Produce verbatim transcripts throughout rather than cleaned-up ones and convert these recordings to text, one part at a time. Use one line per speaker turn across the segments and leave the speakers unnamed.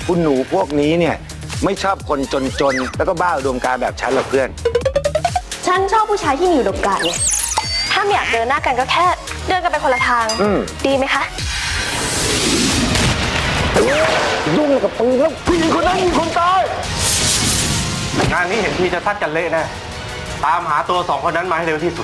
คุณหนูพวกนี้เนี่ยไม่ชอบคนจนๆ แล้วก็บ้าอุดมการณ์แบบฉันหรอกเพื่อน
ฉันชอบผู้ชายที่มีอุดมการณ์ไงถ้าไม่อยากเดินหน้ากันก็แค่เดินกันไปคนละทางดีไหมคะ
ยุ่งกับปืนแล้วผู้หญิงคนนั้นมีคนตาย
งานนี้เห็นทีจะซัดกันเละแน่ตามหาตัวสองคนนั้นมาให้เร็วที่สุด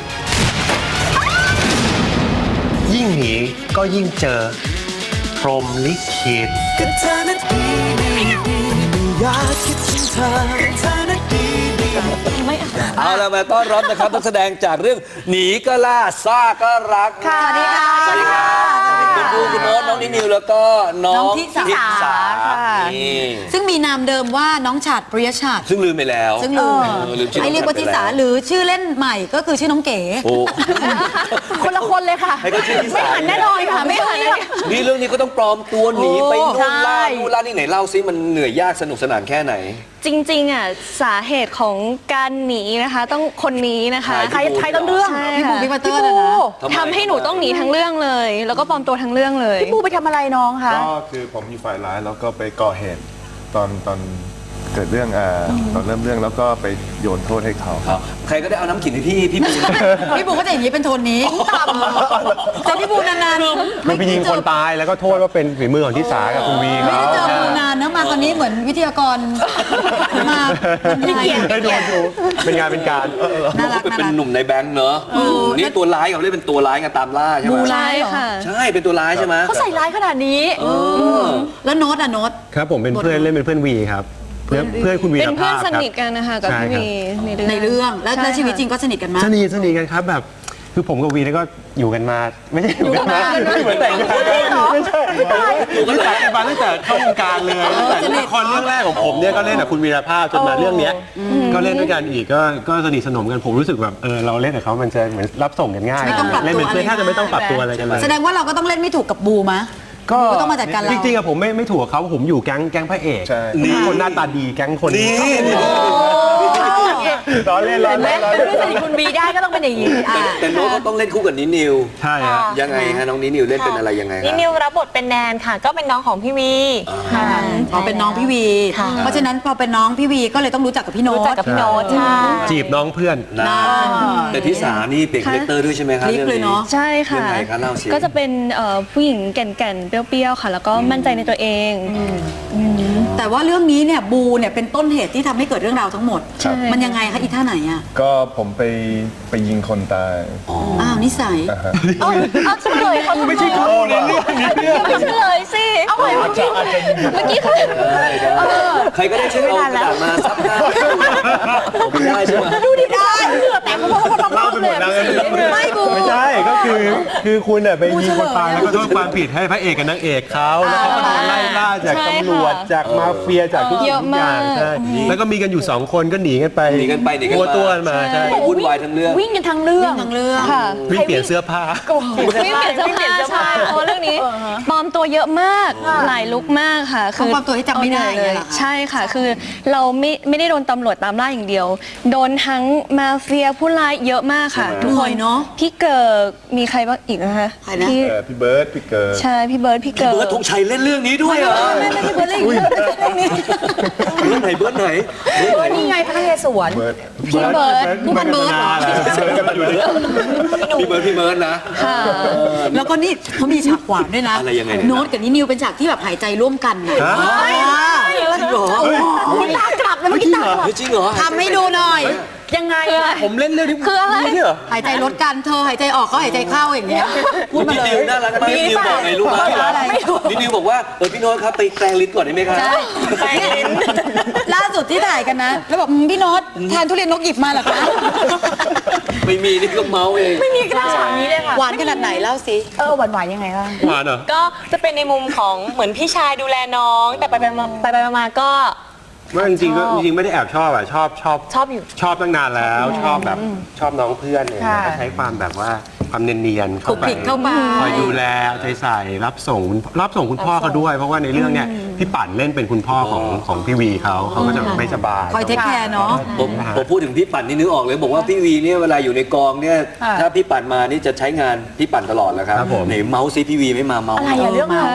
ยิ่งหนีก็ยิ่งเจอพรหมลิขิตก็เธอนั้นดีดีดีอยากคิดถึงเธอเธอนั้นดีดี
เอาละมาต้อนรับนะครับนักแสดงจากเรื่องหนีก็ล่าซ่าก็รักค่ะสวัสดีค่ะสวัสดีค่ะคุณครูคุณโน้ตน้องนินิวแล้วก็น้องทิสา
ซึ่งมีนามเดิมว่าน้องฉัตรปริยฉัตร
ซึ่งลืมไปแล้ว
ซึ่งลืมให้เรียกว่าทิสาหรือชื่อเล่นใหม่ก็คือชื่อน้องเก๋
คนละคนเลยค่ะไม่หันแน่นอนค่ะไม่หัน
นี่เรื่องนี้ก็ต้องปลอมตัวหนีไปนู่นล่านู่นล่านี่ไหนเล่าซิมันเหนื่อยยากสนุกสนานแค่ไหน
จริงๆอ่ะสาเหตุของการหนีนะคะต้องคนนี้นะคะใครใครต้นเรื่อง
พี่ปูพี่ปัตเตอร์นะ
ทำให้หนูต้องหนีทั้งเรื่องเลยแล้วก็ปลอมตัวทั้งเรื่องเลย
พี่ปูไปทำอะไรน้องคะ
ก็คือผมอยู่ฝ่ายร้ายแล้วก็ไปก่อเหตุตอนตอนเกิดเรื่องอ่าตอนเริ่มเรื่องแล้วก็ไปโยนโทษให้เขา
ครับใครก็ได้เอาน้ำขิงให้พี่พี่ปู
พี่ปูก็จะอย่างนี้เป็นโทนนี้ต่ำแต่พี่ปูนาน
ๆมันไปยิงคนตายแล้วก็โทษว่าเป็นฝีมือของทิสากับคุณวี
ไม่ได้เจอปูนานนะมาคราวนี้เหมือนวิทยากรมา
ไม่เกียรติได้ดูดูเป็นงานเป็นการ
น่ารักเป็นหนุ่มในแบงค์เนอะนี่ตัวร้ายกับเล่นเป็นตัวร้ายกันตามล่าใช่ไหม
บูร้าย
ค่ะ
ใช่เป็นตัวร้ายใช่ไหม
เขาใส่ร้ายขนาดนี้แล้วโน้ตอะโน้ต
ครับผมเป็นเพื่อนเล่นเป็นเพื่อนวีครับเพื่อนเพื่อนคุณวี
เป็นเพื่อนสนิทกันนะคะกับพี่วี
ในเรื่องแล้วในชีวิตจริงก็สนิทกันมาก
สนิทสนิทกันครับแบบคือผมกับวีนี่ก็อยู่กันมาไม่ใช่อยู่กันมาไม่เหมือนแต่งงานไม่ใช่อยู่กันมาตั้งแต่เข้าวงการเลยตั้งแต่ละครเรื่องแรกของผมเนี่ยก็เล่นกับคุณวีรภาพจนมาเรื่องนี้ก็เล่นด้วยกันอีกก็ก็สนิทสนมกันผมรู้สึกแบบเออเราเล่นกับเขามันจะเหมือนรับส่งกันง่ายเล่นเป็นเพื่อนแทบจะไม่ต้องปรับตัวอะไรกันเลย
แสดงว่าเราก็ต้องเล่นไม่ถูกกับบูมะ
ก็
ต้องมาจัดการเรา
จริงๆอะผมไม่ไม่ถูกเขาผมอยู่แก๊งแก๊งพระเอกนี่คนหน้าตาดีแก๊งคนนี้ล้อเล่นล้อเล่นล้อเล่น
สนิทคุณบีได้ก็ต้องเป็นอย่างนี้
แต่โน้ตก็ต้องเล่นคู่กับนินิว
ใช่ครับ
ยังไงฮะน้องนินิวเล่นเป็นอะไรยังไง
นินิวรับบทเป็นแนนค่ะก็เป็นน้องของพี่วี
ค่ะพอเป็นน้องพี่วีเพราะฉะนั้นพอเป็นน้องพี่วีก็เลยต้องรู้จักกับพี่โน้ต
รู้จักกับพี่โน้ตใช่
จีบน้องเพื่อน
แต่ทิสานี่เป็นคาแรคเตอร์ด้วยใช่ไหมครับเรื่องนี้
ใช่ค่ะก็จะเป็นผู้หญิงแก่นๆเปรี้ยวๆค่ะแล้วก็มั่นใจในตัวเอง
แต่ว่าเรื่องนี้เนี่ยบูเนี่ยเป็นต้นเหตุที่ทำให้เกิดเรื่องราวทั้งหมดมันยังไงคะอีท่าไหนอ่ะ
ก็ผมไปไปยิงคนตาย
อ้าวนิสัย
เอาเอาเฉลยเขา
ไม่ใช่เขาในเรื่องนี้
เรื่องเฉลยสิเอาใหม่เมื่อกี้เมื่อกี้คือ
ใครก็ได้ช่วยเอากระดาษมาซับหน้าไม่ได้ใช่ไหม
ดูดิได้แต่เขาบอกว่าเราเป็นหมดเลยไม่บู
ไม่ใช่ก็คือคือคุณเนี่ยไปยิงคนตายแล้วก็โทษความผิดให้พระเอกกับนางเอกเขาแล้วเขาก็โดนไล่ล่าจากตำรวจจากมาเฟียจากทุกสิ่งทุกอย่างใช่แล้วก็มีกันอยู่สองคนก็หนีกันไป
หนีกันไปหนีกัน
มาตัวมาใช่
วุ่นวายทั้งเรื่อง
วิ่งกันทั้งเรื่อง
ทั้งเรื่อง
ค่ะ
วิ่งเปลี่ยนเสื้อผ้า
วิ่งเปลี่ยนเสื้อผ้าใช่เพราะเรื่องนี้ปลอมตัวเยอะมากหลายลุคมากค่ะ
คือปลอมตัวที่จำไม่ได้
เลยใช่ค่ะคือเราไม่ไม่ได้โดนตำรวจตามล่าอย่างเดียวโดนทั้งมาเฟียผู้ร้ายเยอะมากค่ะ
ทุกคนเนาะ
พี่เกิร์มีใครบ้างอีกนะคะ
พี่พี่เบิร์ดพี่เกิร์
ใช่พี่เบิร์ดพี่เกิร์
เบิร์ดธงชัยเล่นเรื่องนี้ด้วยเหรอ
ไม่ไม่พี่เบิร์ดเล่นเรื่องนี้
เบิร์ดไหนเบิร์ดไหน
เบิร์ดนี่ไงพระนเรศวร
พี่เบิร์ด
ผู้พันเบิร์ด
พี่เบิร์ดพี่เบิร์ดนะ
แล้วก็นี่เขามีฉากหวานด้วยนะโน้ตกับนินิวเป็นฉากที่แบบหายใจร่วมกันนะ
จริงเหรอ
คุณตากลับเลยเมื่อกี้ตากลับ
จริงเหรอ
ทำให้ดูหน่อยยังไง
ผมเล่นเรื่องที่
คืออะไร
หายใจลดกันเธอหายใจออกก็หายใจเข้าอย่างเงี้ย
พูดมาเลยน่ารักมากนิวบอกไงรู้ไหมนินิวบอกว่าเออพี่โน้ตครับไปแปลงลิ้นก่อนได้ไหมครับ
แปลงลิ้นล่าสุดที่ถ่ายกันนะแล้วบอกพี่โน้ตทานทุเรียนนกหยิบมาเหรอคะ
ไม่มีนี่ก็เมาเอง
ไม่มีกระฉากนี้เลยค่ะหวานขนาดไหนเล่าสิเออหวานหวานยังไงล่ะ
หวานเหรอ
ก็จะเป็นในมุมของเหมือนพี่ชายดูแลน้องแต่ไปไปมาไปไปมาก็
ว่าจริงๆก็จริงๆไม่ได้แอบชอบอ่ะชอบชอบ
ชอบอยู่
ชอบตั้งนานแล้วชอบแบบชอบน้องเพื่อนเนี่ยก็ใช้ความแบบว่าความเนียนๆเข้าไปคอยดูแลใจใส่รับส่งรับส่งคุณพ่อเขาด้วยเพราะว่าในเรื่องเนี่ยพี่ปั่นเล่นเป็นคุณพ่อของของพี่วีเขาเขาก็จะไม่สบาย
คอยเทคแคร์เนาะ
ผมผมพูดถึงพี่ปั่นนี่นึกออกเลยบอกว่าพี่วีเนี่ยเวลาอยู่ในกองเนี่ยถ้าพี่ปั่นมานี่จะใช้งานพี่ปั่นตลอดแหละครับไหนเมาส์ซิพี่วีไม่มาเมาส์
อะไรเรื่องอะไร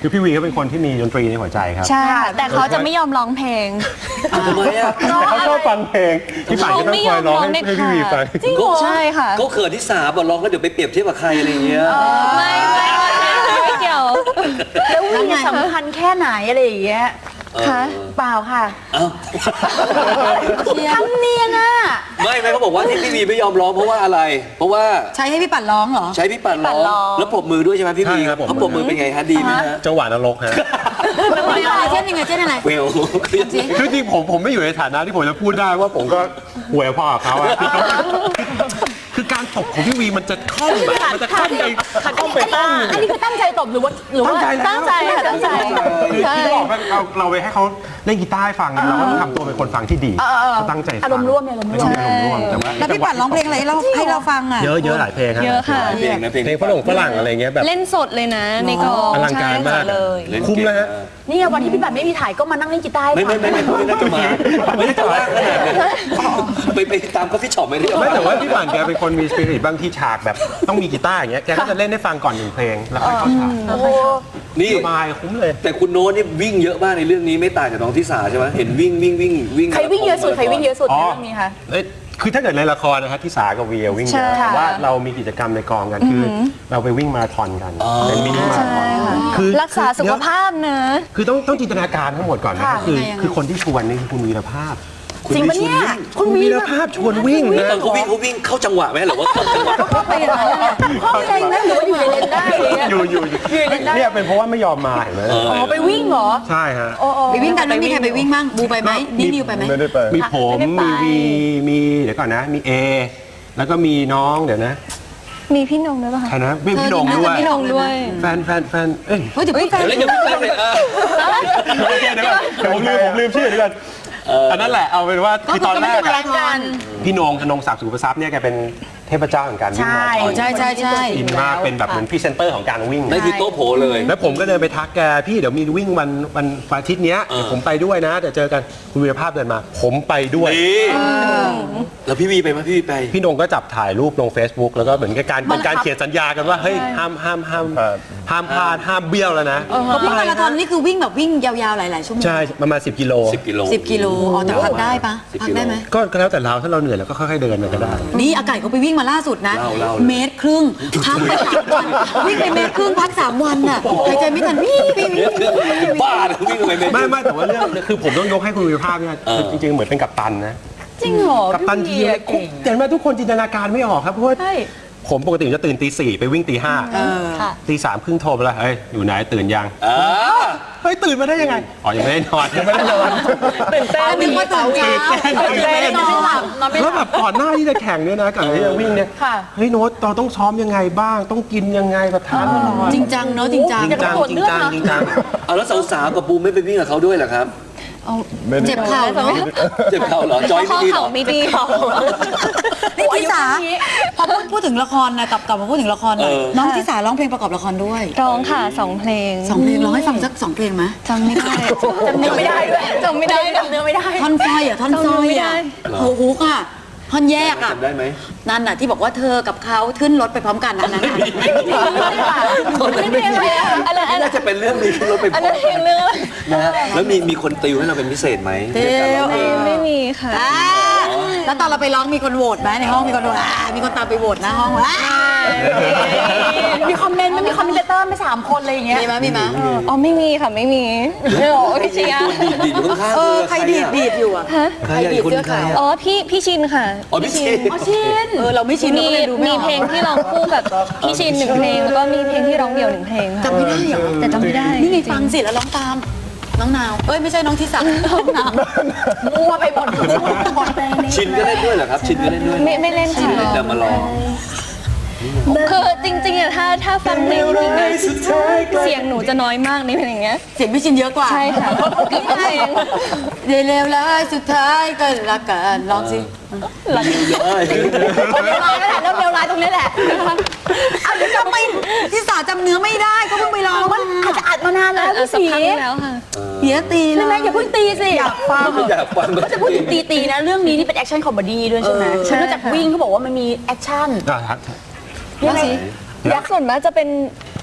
คือพี่วีก็เป็นคนที่มีดนตรีในหัวใจครับ
ใช่ค่ะแต่เขาจะไม่ยอมร้องเพลง
ทำไมอ่ะ
แต่เขาชอบฟังเพลงพี่ป่านก็ต้องคอยร้องให้ให้พี่วีฟัง
จริงเหรอใช่ค่ะ
เขาเขินที่สาบอกร้องแล้วเดี๋ยวไปเปรียบเทียบกับใครอะไรอย่างเงี้ย
ไม่ไม่ไม่เกี่ยว
แล้ววิ่งเนี่ยสำคัญแค่ไหนอะไรอย่างเงี้ย
ค่ะ
เปล่าค่ะ
เอ้า
ทำเนียนอ่ะ
ไม่ไม่เขาบอกว่าที่พี่วีไม่ยอมร้องเพราะว่าอะไร เพราะว่า
ใช้ให้พี่ปั่นร้องเหรอ
ใช้พี่ปั่นร้อง
พี่ปั่นร้อง
แล้วปรบมือด้วยใช่ไหมพี่วี
ใช่ครับผม
เขาปรบมือเป็นไงฮะดีไหมฮะ
จังหวะนรกฮะ
เป็นอะไรเช่นยังไงเช่นอะไร
เวล
คือจริงผมผมไม่อยู่ในฐานะที่ผมจะพูดได้ว่าผมก็หวยพอกับเขาอะคือเขาคือการตบของพี่วีมันจะคล่องแบบมันจะคล่องไปคล่องไปตั้ง
อันนี้คือตั้งใจตบหรือว่าหรือว่า
ตั้งใจค่ะตั้งใจ
คือที่บอกว่าเราเราไปให้เขาเล่นกีตาร์ให้ฟังเราก็ต้องทำตัวเป็นคนฟังที่ดีเขาตั้งใจฟัง
อารมณ์ร่วมเนี่ยอารมณ์ร่วม
อารมณ์ร่วมแต่ว่า
แล้วพี่ปั่นร้องเพลงอะไรให้เราให้เราฟังอ่ะ
เยอะเยอะหลายเพลงครับ
เยอะค่ะ
เพลงนะเพลง
เพลงฝรั่งฝรั่งอะไรเงี้ยแบบ
เล่นสดเลยนะในกอง
อลังการมาก
ใช่ค่ะเลย
เล่น
คุ้ม
เก่ง
แล้วฮะ
นี่ไงวันที่พี่บัตรไม่มีถ่ายก็มานั่งเล่นกีตาร์ให้
ไม่
ฟั
ไม่
ง
ไม่ไม่ไม่น่าจะมาไม่น่าจะว่างขนาดนั้นไปไปตามคอฟฟี่ช็อปไม่ได้
ไม่แต่ว่าพี่ป่านแกเป็นคนมีสปิริตบางที่ฉากแบบต้องมีกีตาร์อย่างเงี้ยแกก็จะเล่นให้ฟังก่อนหนึ่งเพลงแล้วค่อยเข้าฉาก
โอ้โห
นี่
สบายคุ้มเลย
แต่คุณโน้ตนี่วิ่งเยอะมากในเรื่องนี้ไม่ต่างจากน้องทิสาใช่ไหมเห็นวิ่งวิ่งวิ่งวิ่ง
ใครวิ่งเยอะสุดใครวิ่งเยอะสุดในเรื่องนี้คะ
เอ้ยคือถ้าเกิดในละครนะครับที่สากับเวียวิ่งเย
ใช่
อะแต่
ค่ะ
ว่าเรามีกิจกรรมในกองกันคืออเราไปวิ่งมาราธอนกันเป็นมินิมาราธอนคือ
รักษาสุขภาพนะ
คือต้องต้องจินตนาการทั้งหมดก่อนนะครับ
ค่ะ
คือ
ยังไงยังไง
คือคนที่ชวนนี่คือคุณวีรภาพ
จริงปะเนี่ย
คุณวีรภาพชวนวิ่ง
แล้ว
นะ
ตอนเขาวิ่งเขาวิ่งเข้าจังหวะไหมหรือว่าเข้าจังหวะ
เข้าไปอย่างนั้นแหละเข้าไปเลนหรือว่าอยู่ในเลนได้อะไรเงี้ย
อยู่อยู่อยู่เนี่ยเป็นเพราะว่าไม่ยอมมาเห็นไหม
อ๋อไปวิ่งเหรอ
ใช่ฮะ
โอ้โอ้
ไปวิ่งกันไม่มีใครไปวิ่งบ้างบูไปไหมนี่นิวไปไหม
ไม่ได้ไป
มีผม
ไม่ได้
มี
ไป
วีมีเดี๋ยวก่อนนะ มีเอแล้วก็มีน้องเดี๋ยวนะ
มีพี่นงด้วยป่ะ
ใคร
คะ
นะพี่พี่โดง
เธอ
ด้วย
มี
พี่นงด้วย
แฟนแฟนแฟนเอ้ย
เฮ้ยจะพูดแฟน
เดี๋ยวเล่นกับพี่แฟนเลยอ่ะ
โอเคเดี๋ยวก่อนเดี๋ยวผมลืมผมลืมชื่อเดี๋ยวก่อนอันนั้นแหละเอาเป็นว่าคือตอนแรก
ก็
อะ
คือกัน
พี่โหนงธนงศักดิ์สุขประทรัพย์เนี่ยแกเป็นเทพเจ้าแห่งการวิ่งมาราธอน
ใช่ใช่ใช่
อินมากเป็นแบบเหมือนพรีเซนเตอร์ของการวิ่ง
นั่นคือโต๊ะโผเลย
แล้วผมก็เดินไปทักแกพี่เดี๋ยวมีวิ่งวันวันวันอาทิตย์เนี้ย
เออ
เดี๋ยวผมไปด้วยนะเดี๋ยวเจอกันคุณวีรภาพเดินมา ผมไปด้วย
นี่แล้วพี่วีไปไหมพี่วีไป
พี่โหนงก็จับถ่ายรูปลง Facebook แล้วก็เหมือนกับการเป็นการเขียนสัญญากันว่าเฮ้ยห้ามห้ามห้าม
ครับ
ห้ามพลาดห้ามเบี้ยวแล้วนะ
เขาวิ่งมาราธอนนี่คือวิ่งแบบวิ่งยาวๆหลายๆชั่วโมง
ใช่ประมาณสิบกิโล
สิบกิโล
สิบกิโลอ๋อแต่พักได้ปะ
สิบ
พัก
กิโล
ได้ไหม
ก็ก็แล้วแต่เราถ้าเราเหนื่อยเราก็ค่อยๆเดินไปก็ได้
นี่อากาศเขาไปวิ่งมาล่าสุดนะ
เล่าเล่าเลย
เมตรครึ่งพักไปสามวันวิ่งไปเมตรครึ่งพักสามวันน่ะหายใจไม่ทันวิ่งวิ่งวิ่งวิ่ง
บ้าเลยวิ่งไปไม่
ไม่ไม่แต่ว่าเรื่องคือผมต้องยกให้คุณวีรภาพเนี่ยคือจริงๆเหมือนเป็นกัปตันนะ
จริงเหรอ
กัปตันทีมเนี่ยคุกเห็นไหมทุกคนจินตนาการไม่ออกครับเพราะว่า
ใช่
ผมปกติจะตื่นตีสี่ไปวิ่งตีห้า
เออ
ตีสามครึ่งโทรไปแล้วเฮ้ยอยู่ไหนตื่นยัง
อ่า
เฮ้ยตื่นมาได้ยังไงอ๋อยังไม่ได้นอนยังไม่ได้นอน
ตื่นเต้น
นึกว่าตื่นเช้า
ตื่นเต้นนอนไม่หลับนอนไม่ห
แล้
ลั
ว
บ
แบบก่อนหน้าที่จะแข่งเนี่ยนะก่อนที่จะวิ่งเนี่ย
ค่ะ
เฮ้ยโน้ตเราต้องซ้อมยังไงบ้าง ต้องกินยังไงแบบทานตลอด
จริงจังเนาะจริงจัง
จริงจังจริงจังจริงจัง
เอาแล้วสาวๆกับบูมไม่ไปวิ่งกับเขาด้วยเหรอครับ
ไม่ได้
เจ็บเข่าเนาะ
เจ็บเข่าเหรอจอย
ข้
ไม่
อ
ดีเหร
เข่า
อ
ไม่ดี
นี่ทิสาพอพูดพูดถึงละครนะกลับกลับมาพูดถึงละครหน่อยน้องทิสาร้องเพลงประกอบละครด้วย
ร้องค่ะสองเพลง
สองเพลงร้องให้ฟังสักสองเพลงไหม
จำไม่ได้
จำเนื้อไม่ได้ด้วย
จำไม่ได้
จำเนื้อไม่ได้
ท่อนสร้อยอ่ะท่อนสร้อยอ่ะโอ้โหค่ะท่อนแยกอ่ะ
จำได้ไหม
นั่นน่ะที่บอกว่าเธอกับเขาขึ้นรถไปพร้อมกันอันนั้นน่ะ
ไม่เพลงอะไรอะอันนั้นอันนั้
น่าน จะเป็นเรื่องนี้ที่รถไป
อันนั้นเพลงเรื่อง
นะฮะแล้วมีมีคนติวให้เราเป็นพิเศษไหม
เดี๋ยว
ในการร้องเพลง
ไม่มีค่ะ
อ่าแล้วตอนเราไปร้องมีคนโหวตไหมในห้องมีคนโหวตอ่ามีคนตามไปโหวตหน้าห้องอ่า
มีคอมเมนต์ไม่มีคอมเมนเตอร์ไม่สามคนอะไรอย่างเงี้ย
มีไหมมีไหม
อ๋อไม่มีค่ะไม่มีโอ้พี่เชียร์
ตัวดีดดีดอยู่ข้างๆ
เออ
ธ
ใครดีดดีดอยู่อ่ะ
ฮะ
ใครอะอีกคนใครอะ
อ๋อพี่พี่ชินค่ะ
อ๋อพี่ชิน
อ๋อชิน
เออเราไม่ชินเรา
มี
ก็เลยดูไม่
มี
ออก
เพลงที่ร้องคู่กับพี่ชินหนึ่งเพลงแล้วก็มีเพลงที่ร้องเดี่ยวหนึ่งเพลงค่ะ
จำไม่ได้เหรอ
แต่จำไม่ได้
นี่ไงฟังสิแล้วร้องตามน้องนาวเอ้ยไม่ใช่น้องทิสาน้องนาว
มั่วไปหมดหมดเลย
ชินก็เล่นด้วยเหรอครับ ชินก็เล่นด้วย
ไม่ไม่เล่นค่ะ
เล่นแต่มาลอง
คือจริงๆอะถ้าถ้าฟังเพลงจริงอะเสียงหนูจะน้อยมากในเพลงอย่างเงี้ย
เสียงพี่ชินเยอะกว่า
ใช่ค่ะเกือบทุกเพลง
เดี๋ยวเร็วแล้วสุดท้ายก็รักกันลองสิ
เร็วร้ายนั่นแหละเริ่มเร็วร้ายตรงนี้แหละ
เอาจำไม่ทิสาจำเนื้อไม่ได้ก็เพิ่งไปร้อง
มันอาจจะอัดมานานแล้ว
เออ
พี่
สัก
สี
พักนึงแล้วค่ะ
เหี้ยตี
ใช่ไหมอย่าเพิ่งตีสิอยากฟัง
อยากฟัง
ก็จะพูดถึงตีตีๆนะเรื่องนี้นี่เป็นแอคชั่นคอมเมดี้ด้วยใช่ไหม
ใช่
นอกจากวิ่งเขาบอกว่ามันมีแอคชั่น
อ่ะครับ
ยังไง
ยักษ์ส่วนมากจะเป็น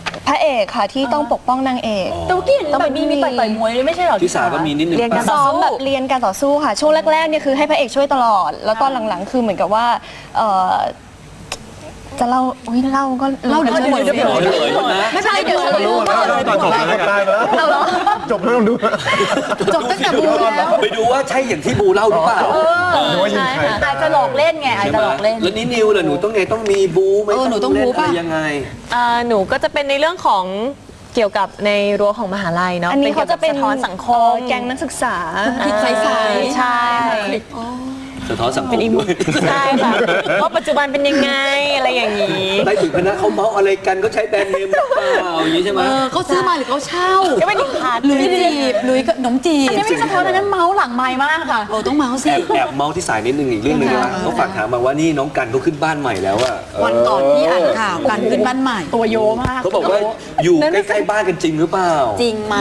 พระเอกค่ะที่ต้องปกป้องนางเอก
แต่ว่ากี้เห็นแบบมีมีต่อยต่อยมวยด้วยไม่ใช่เหรอ
ที่สาก็มีนิดนึง
เรียนการ
ป่ะ
ซ้อมแบบเรียนการต่อสู้ค่ะ ช่วงแรกๆเนี่ยคือให้พระเอกช่วยตลอด แล้วตอนหลังๆ คือเหมือนกับว่าเอ่อจะเล่าอุ้ยเล่าก็
เล่าเดี๋ยวเฉลย
เดี๋ยวเฉลยนะ
ไม่ใช่เดี๋ยวเฉลย
ตอนจบเลยนะครับ
เอาเหรอ
จบแล้วต้องดู
จบตั้งแต่บูแล้ว
ไปดูว่าใช่อย่างที่บูเล่าหรือเปล่า
หรือว่ายิงใคร
อาจจะหลอกเล่นไงอาจ
ใช่
จะ
ไหม
หลอกเล่น
แล้วนี่นิวล่ะหนูต้องไงต้องมีบูไหม
เออหนูต้องบูป่ะ
เล่นอะไรยังไง
อ่าหนูก็จะเป็นในเรื่องของเกี่ยวกับในรั้วของมหาลัยเนาะ
อันนี้เขาจะเป็น
สะท้อนสังคม
แก๊งนักศึกษา
คิดใสๆ
ใช่
สะท้อนสังคม
เป็นอีก
ด้วย
ใช่ค่ะว่าปัจจุบันเป็นยังไงอะไรอย่างนี้
ได้ถึงคณะเขาเมาส์อะไรกันก็ใช้แบรนด์เนมหรือเปล่าอย่างนี้ใช่ไหม
เออเขาซื้อมาหรือเขาเช่า
ก็เป็นอีกพาร์ท
หลุยจีบหลุยขนมจีบ
อันนี้ไม่สะท้อนอันนั้นเมาส์หลังไม้มากค่ะ
โอ้ต้องเมาส์สิ
แอบแอบเมาส์ที่สายนิดนึงอีกเรื่องหนึงนะเขาฝากถามมาว่านี่น้องกันเขาขึ้นบ้านใหม่แล้วอะ
วันก่อนที่อ่านข่าวกันขึ้นบ้านใหม่
ตัวโยมาก
เขาบอกว่าอยู่ใกล้ๆบ้านกันจริงหรือเปล่า
จริงไหม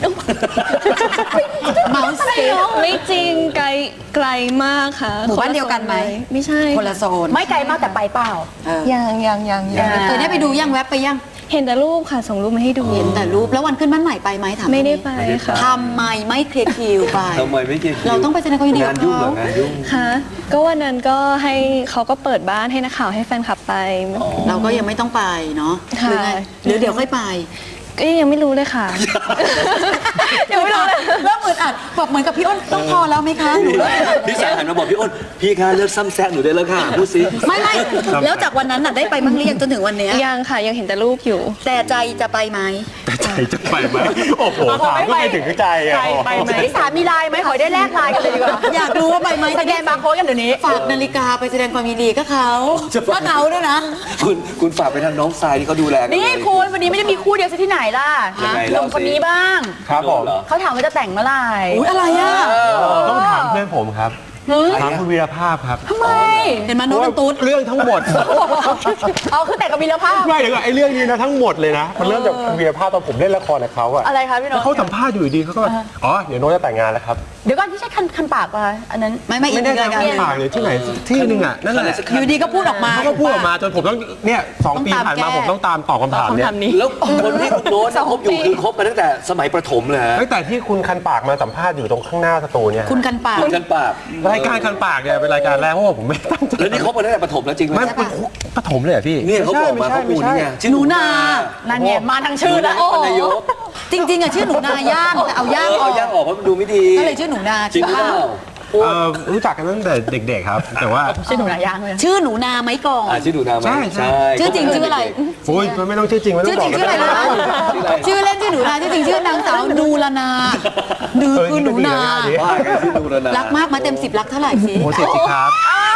เมาส์สิ
ไม่จริงไกลไกลมากค่ะ
หมู่บ้านเดียวกันไหม
ไม่ใช่
คนละโซน
ไม่ไกลมากแต่ไปเปล่า
เออ
ยังยังยังยัง
เคยได้ไปดูยังแวบไปยัง
เห็นแต่รูปค่ะส่งรูปมาให้ดู
เห็นแต่รูปแล้ววันขึ้นบ้านใหม่ไปไหมถาม
ไม่ได้ไปค่ะ
ทำไมไม่เคลียร์คิวไป
ทำไมไม่เกี่ยว
เราต้องไปแสดงความยินดีกับ
งานยุ่งเหรอ
เขา
งานยุ่ง
ค่ะก็วันนั้นก็ให้เขาก็เปิดบ้านให้นักข่าวให้แฟนคลับไป
เราก็ยังไม่ต้องไปเนาะห
ค่ะ
รือไงหรือเดี๋ยวค่อยไป
ก็ยังไม่รู้เลยค่ะ
ยังไม่รู้เลยเริ่มอึดอัดแบบเหมือนกับพี่อ้นต้องพอแล้วไหมคะหนูเริ่ม
พี่สายหันมาบอกพี่อ้นพี่คะเลิกซ้ำแซงหนูได้แล้วค่ะพูดสิ
ไม่ไม่แล้วจากวันนั้นน่ะได้ไปมั่งเรียงจนถึงวันเนี้ย
ยังค่ะยังเห็นแต่รูปอยู่
แต่ใจจะไปไหม
ใจจะไปไหมโอ้โหถามก็ไปถึงใจอะ
ไปไปไหมพี่สามีไลน์ไหมขอได้แลกไลน์กันเลยดีกว่า
อยากรู้ว่าไปไหม
สแกนบาร์โค้ดกันเดี๋ยวนี้
ฝากนาฬิกาไปแสดงความยินดีก็เขาก็เขาด้วยนะ
คุณคุณฝากไปทางน้องทรายที่เขาดูแลกั
นี่
เลย
คุณวันนี้ไม่ได้มีคู่เดียวซะที่ไหนล่ะ
ยังไง
ห
เล่า
นุ่ม
สิ
คนนี้บ้าง
ครับผม
เหรอ
เขาถามว่าจะแต่งเมื่อไหร่
อุ้ยอะไรอ่ะ
ต้องถามเพื่อนผมครับถามคุณวีรภาพครับ
ทำไม
เห็นไหมโน้ตเป็นตุ๊ด
เรื่องทั้งหมด
เอาคือแต่งกับวีรภาพ
ไม่เดี๋ยวก่อนไอ้เรื่องนี้นะทั้งหมดเลยนะ มันเริ่มจากวีรภาพตอนผมเล่นละครกับเขาอะ
อะไรคะพี่โน้
แล้ว
ต
เขาสัมภาษณ์อยู่ดีๆเขาก็แบบอ๋อเดี๋ยวโน้ตจะแต่งงานแล้วครับ
เดี๋ยวก่อนที่ใช้คันคันปากป่ะอันนั้น
ไม่ไม่อี
ไม่
ก
ได้
รายการ
ทำปากเลยที่ไหนที่หนึงอะนั่นแหละ
อยู่ดีก็พูดออกมา
เขาก็พูดออกมาจนผมต้องเนี่ยสองปีผ่านมาผมต้องตามตอบคำถามเนี่ย
แล้วคนที่คุณโน้ตคบอยู่คือคบมาตั้งแต่สมัยประถมเลยฮะ
ตั้งแต่ที่คุณคันปากมาสัมภาษณ์อยู่ตรงข้างหน้าสตูเนี่ย
คุณกันปาก
คุณกันปาก
รายการคันปากเนี่ยเป็นรายการแรกเพราะว่าผมไม่ตั้งใจ
แล้วนี่คบมาตั้งแต่ประถมแล้วจริงไหม
ไม่เป็นปฐมเลยเหรอพี่
เนี่ยเขาบอกมาเขาปูนี่ไงชื่อ
หนูนา
นั่นเนี่ยมาทางชื่อแล้ว
โอ้นายก
จริงๆอ่ะชื่อหนูนาย่างแต่เอาย่าง
เออ
อ
เอา
อก
ย่างออกเพราะมันดูไม่ดี
ก็เลยชื่อหนูนา
จริงหรือเปล่า
เอ่อรู้จักกันตั้งแต่เด็กๆครับ แต่ว่า
ชื่อหนูนายางเลย
ชื่อหนูนาไหมก่อน
อ่าชื่อดูนาไหม
ใช่ใช่
ชื่อจริงชื่ออะไร
โอ้ยมันไม่ต้องชื่อจริงไม่ต้
ชื่
อ
อง
บ
จ
อ
ริ
ก
งชื่ออะไรนะ
ชื่ออะไร
ชื่อเล่นชื่อหนูนาชื่อจริงชื่อนางสาวนูรนานือคือหนูนา
ว่ากันชื่อดูนา
รักมากมาเต็มสิบรักเท่าไหร่สิ
โอ้เสียสิครับ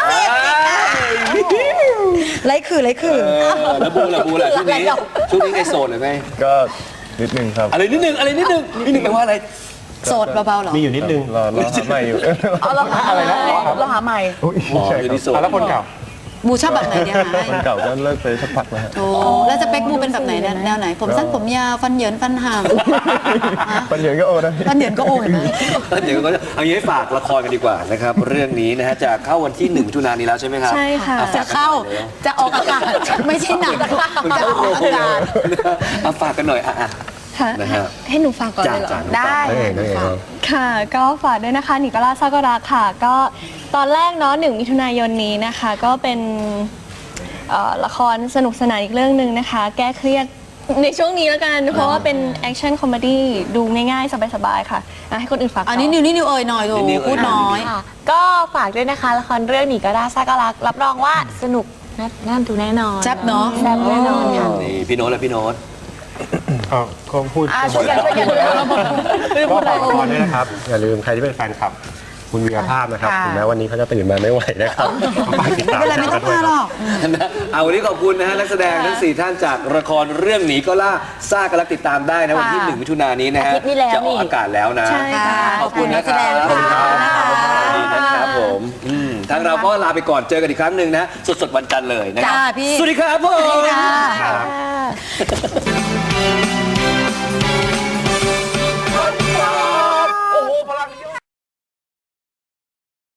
ไรคือไรคือ
เออแล้วบูล่ะบูล่ะช่วงนี้ช่วงนี้ไงโสดหรือไง
ก็นิดนึงครับ
อะไรนิดนึงอะไรนิดนึงนิดนึงแปลว่าอะไร
โสดเบาๆหรอ
มีอยู่นิดนึง
รอรอหาใหม่อยู่
เอาเราหาอะไรนะเราหาใหม่
อุ๊ย
อ๋อ
ใช่
อยู่
ครับ
ที่โสด
อ่ะแล้วคนเก่า
บูชอบแบบไหนเนี่ยคะ
คนเก่าก็เลิกไปสักพักแล้วฮะ
โอ้แล้วสเปคบูเป็นแบบไหนเนี่ยแนวไหน ผมสั้นผมยาวฟันเหยินฟันห่างฮะ
ปัญญาก็โอ้นะ
ฟันเหยินก็โอ้เห็นไหม
เดี๋ยวก็จะเอางี้ให้ฝากละครกันดีกว่านะครับ เรื่องนี้นะฮะจะเข้าวันที่หนึ่งมิถุนายนนี้แล้วใช่ไหมครับ
ใช่ค่ะ
อ่
จะเข้าจะออกอากาศไม่ใช่หนังจะออกอากาศ
เอาฝากกันหน่อยอ่ะอ่ะ
ค่ะ
นะฮะ
ให้หนูฟังก่อน
จ้า
เลยเหรอ
จ้า
ได้
นั่นเองนั่นเองครับ
ค่ะก็ฝากด้วยนะคะหนิกล่าซากุระค่ะ ก็ตอนแรกเนาะหนึ่งมิถุนายนนี้นะคะ ก็เป็นเอ่อละครสนุกสนานอีกเรื่องหนึ่งนะคะ แก้เครียดในช่วงนี้แล้วกัน เพราะว่าเป็นแอคชั่นคอมเมดี้ดูง่ายๆ สบายๆค่ะอ่ะ ให้คนอื่นฝากต่
อันนี้นิวนี่นิวเอ่ยหน่อยโถ
นิวเอ่ย
พูดน้อย
ค่ะก็ฝากด้วยนะคะละครเรื่องหนีก็ได้ซาก็รักรับรองว่าสนุกน่าน่าดูแน่นอน
แซ่บเนาะ
แซ่บแน่นอนค่ะ
นี่พี่โน้ตและพี่โน้ต
เอาก็พูด
อ่าช่วยกันช่วยกันเลย
ก็ฝากละครด้วยนะครับ อย่าลืมใครที่เป็นแฟนคลับ คุณวีรภาพนะครับ
ค่ะ
ถึงแม้วันนี้เขาจะตื่นมาไม่ไหวนะครับฝากติด
ไม่
ตาม
เป็นไรไม่ต้องมาหรอก
นะเอาวันนี้ขอบคุณนะฮะนักแสดงทั้งสี่ท่านจากละครเรื่องหนีก็ล่าซ่ากันรักติดตามได้นะวันที่หนึ่งมิถุนายนนี้นะฮะ
อาทิตย์นี้แล้ว
จะออก
นี่
อากาศแล้วนะ
ใช่ค่ะ
ขอบคุณนะค
ขอบคุณนักแสด
รับ
งค่ะ
สวัสดีนะครับผมอืมทางเราก็ลาไปก่อนเจอกันอีกครั้งหนึ่งนะสดๆวันจันทร์เลยนะครั
จ้าพี่
สวัสดีครับผม
ค่ะ
ครับ